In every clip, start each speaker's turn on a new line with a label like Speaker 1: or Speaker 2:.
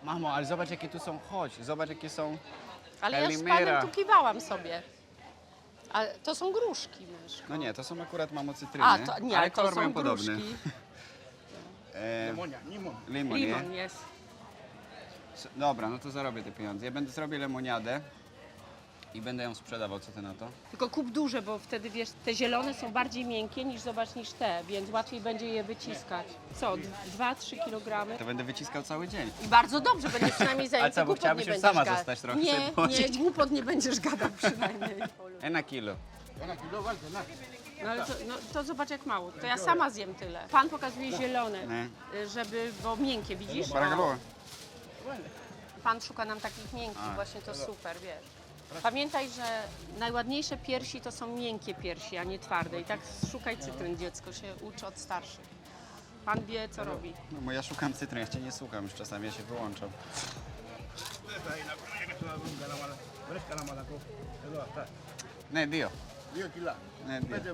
Speaker 1: Mamo, ale zobacz jakie tu są, chodź, zobacz jakie są.
Speaker 2: Ale ja z
Speaker 1: Kalimera.
Speaker 2: panem tu kiwałam sobie. A to są gruszki, myszko.
Speaker 1: No nie, to są akurat mamo cytryny,
Speaker 2: A, to nie,
Speaker 1: ale
Speaker 2: to
Speaker 1: kolor
Speaker 2: są
Speaker 1: mają podobny.
Speaker 2: gruszki.
Speaker 1: Limon, nie?
Speaker 2: Limon jest.
Speaker 1: Dobra, no to zarobię te pieniądze. Ja zrobię lemoniadę i będę ją sprzedawał, co ty na to?
Speaker 2: Tylko kup duże, bo wtedy wiesz, te zielone są bardziej miękkie niż te, więc łatwiej będzie je wyciskać. Co, 2-3 kg?
Speaker 1: To będę wyciskał cały dzień.
Speaker 2: I bardzo dobrze, będziesz przynajmniej zajęty.
Speaker 1: co, bo
Speaker 2: Głupot
Speaker 1: chciałabyś
Speaker 2: nie
Speaker 1: już
Speaker 2: będziesz
Speaker 1: sama
Speaker 2: gadał.
Speaker 1: zostać trochę,
Speaker 2: Nie,
Speaker 1: sobie
Speaker 2: nie,
Speaker 1: położyć.
Speaker 2: głupot nie będziesz gadał przynajmniej.
Speaker 1: Na kilo.
Speaker 2: No ale to zobacz jak mało. To ja sama zjem tyle. Pan pokazuje zielone,
Speaker 1: Nie.
Speaker 2: bo miękkie, widzisz?
Speaker 1: Para calor.
Speaker 2: Pan szuka nam takich miękkich, właśnie to super, wiesz. Pamiętaj, że najładniejsze piersi to są miękkie piersi, a nie twarde. I tak szukaj cytryn, dziecko się uczy od starszych. Pan wie, co robi.
Speaker 1: No bo ja szukam cytryn, ja cię nie słucham już czasami, ja się wyłączam. Ne, dio. Ne, dio.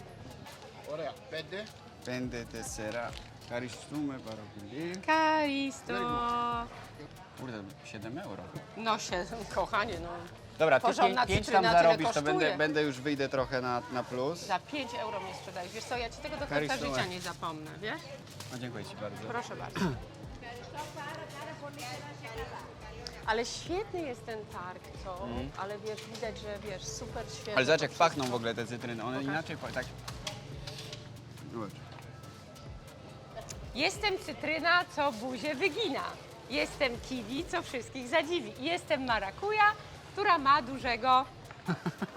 Speaker 1: Pende tessera. Caristume parapili.
Speaker 2: Karisto.
Speaker 1: Kurde, 7 euro.
Speaker 2: No się, kochanie, no.
Speaker 1: Dobra, ty
Speaker 2: Porządna
Speaker 1: 5 tam
Speaker 2: cytryna tyle
Speaker 1: zarobisz, to
Speaker 2: kosztuje.
Speaker 1: będę już wyjdę trochę na plus.
Speaker 2: Za 5 euro mnie sprzedajesz. Wiesz co, ja ci tego do końca
Speaker 1: Karisto.
Speaker 2: życia nie zapomnę, wiesz?
Speaker 1: No, dziękuję ci bardzo.
Speaker 2: Proszę bardzo. Ale świetny jest ten targ, co? Ale wiesz, widać, że wiesz, super świetnie.
Speaker 1: Ale zobacz jak
Speaker 2: to
Speaker 1: pachną
Speaker 2: wszystko.
Speaker 1: w ogóle te cytryny, one inaczej tak... Zobacz.
Speaker 2: Jestem cytryna, co buzię wygina. Jestem kiwi, co wszystkich zadziwi. Jestem marakuja, która ma dużego